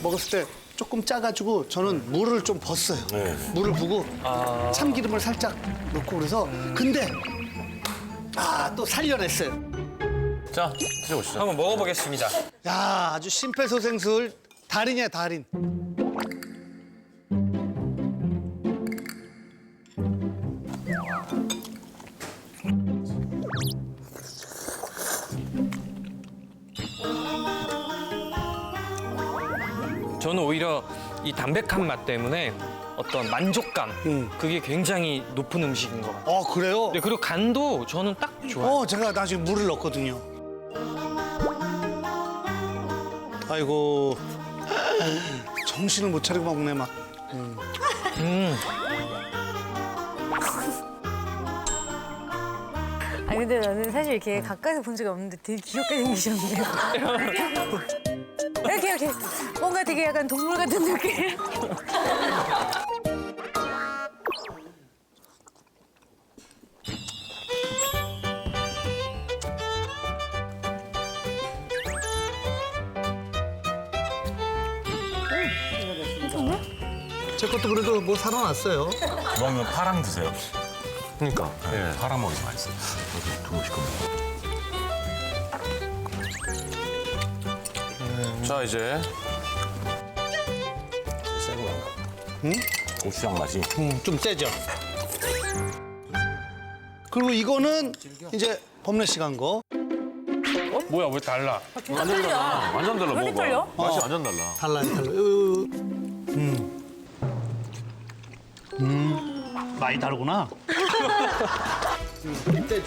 먹었을 때 조금 짜가지고 저는 물을 좀 벗어요. 물을 부고 참기름을 살짝 넣고 그래서 근데 또 살려냈어요. 자, 드셔보시죠. 한번 먹어보겠습니다. 야, 아주 심폐소생술 달인이야, 달인. 저는 오히려 이 담백한 맛 때문에 어떤 만족감 그게 굉장히 높은 음식인 것 같아요. 그래요? 네, 그리고 간도 저는 딱 좋아요. 제가 나중에 물을 넣었거든요. 아이고, 정신을 못 차리고 먹네, 막. 아니 근데 나는 사실 이렇게 가까이서 본 적이 없는데 되게 귀엽게 생기셨네요. 이렇게 뭔가 되게 약간 동물 같은 느낌. 제 것도 그래도 뭐 살아났어요. 먹으면 파랑 드세요. 그러니까. 네. 파랑 먹이 맛있어요. 여기 두고씩 먹어. 자, 이제. 세고. 고추장 맛이. 좀 세죠? 그리고 이거는 이제 범례 씨가 한 거. 뭐야, 왜 달라? 완전 달라. 완전 달라. 왜 이렇게 먹어봐. 떨려? 맛이 완전 달라. 달라요. 많이 다르구나. 세죠?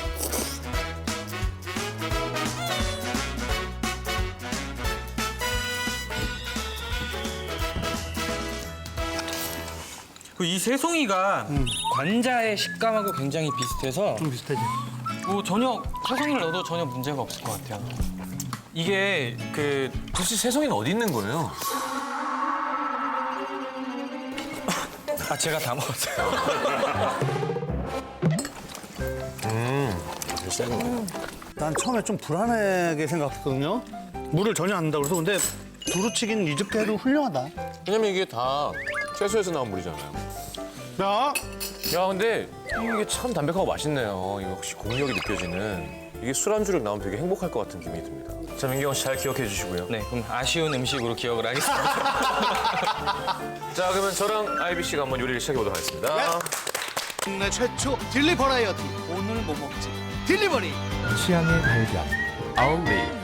이 새송이가 관자의 식감하고 굉장히 비슷해서 좀 비슷하죠? 뭐 전혀 새송이를 넣어도 전혀 문제가 없을 것 같아요. 이게 도대체 새송이는 어디 있는 거예요? 제가 다 먹었어요. 세고. 난 처음에 좀 불안하게 생각했거든요. 물을 전혀 안 넣는다고 그래서 근데 두루치기는 이렇게 해도 훌륭하다. 왜냐면 이게 다 채소에서 나온 물이잖아요. 야, 야, 근데 이게 참 담백하고 맛있네요. 이거 혹시 공력이 느껴지는. 이게 술안주로 나오면 되게 행복할 것 같은 기분이 듭니다. 자, 민경 씨 잘 기억해 주시고요. 네, 그럼 아쉬운 음식으로 기억을 하겠습니다. 자, 그러면 저랑 아이비 씨가 한번 요리를 시작해 보도록 하겠습니다. 국내 최초 딜리 버라이어티. 오늘 뭐 먹지? 딜리버리. 취향의 발견. 아울렛.